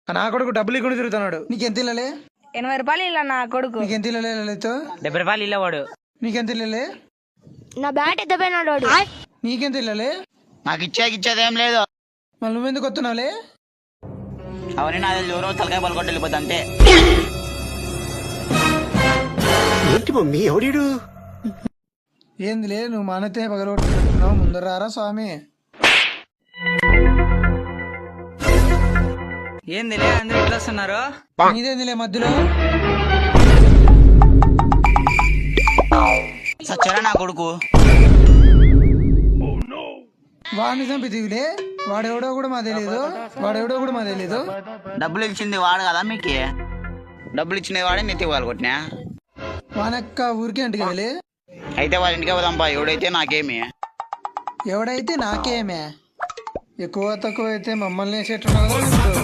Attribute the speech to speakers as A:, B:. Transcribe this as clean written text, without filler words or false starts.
A: నా కొడుకు డబ్బులు ఇకుండా తిరుగుతున్నాడు. నీకెంత ఇల్లలే?
B: 80 రూపాయలు ఇలా నా కొడుకు.
A: నీకెంత ఇల్లలే?
C: 70 రూపాయలు ఇల్లవాడు.
A: నీకెంత ఇల్లలే?
B: నా బ్యాట్ ఎత్తపోయినాడు వాడు.
A: నీకెంత ఇల్లలే?
C: నాకు ఇచ్చేదేం లేదు.
A: మళ్ళీ నువ్వెందుకు వస్తున్నావులే?
C: అవన్నీ నా ఎవరో తలకాయ పలుకొట్టి వెళ్ళిపోతా అంతే.
D: ఏంటి మమ్మీ ఎవడీడు?
A: ఏందిలే నువ్వు మానతే పగలగొట్టుకుంటున్నావు, ముందర రారా స్వామి.
C: ఏందిలే అందరూ ఇట్లా వస్తున్నారు?
A: నీదేందిలే మధ్యలో?
C: సచ్చరా నా కొడుకు.
A: వాడిని చంపితివిలే. వాడెవడో కూడా మా తెలీదు.
C: డబ్బులు ఇచ్చింది వాడు కదా మీకు? డబ్బులు ఇచ్చింది వాడే నెత్తి వాళ్ళు కొట్టినా.
A: వానక్క ఊరికే అంటికి వెళ్ళి.
C: అయితే వాళ్ళ ఇంటికి పోదాంపా. ఎవడైతే నాకేమి.
A: ఎవడైతే నాకేమే. ఎక్కువ తక్కువ అయితే మమ్మల్ని వేసేట్టున్నావు.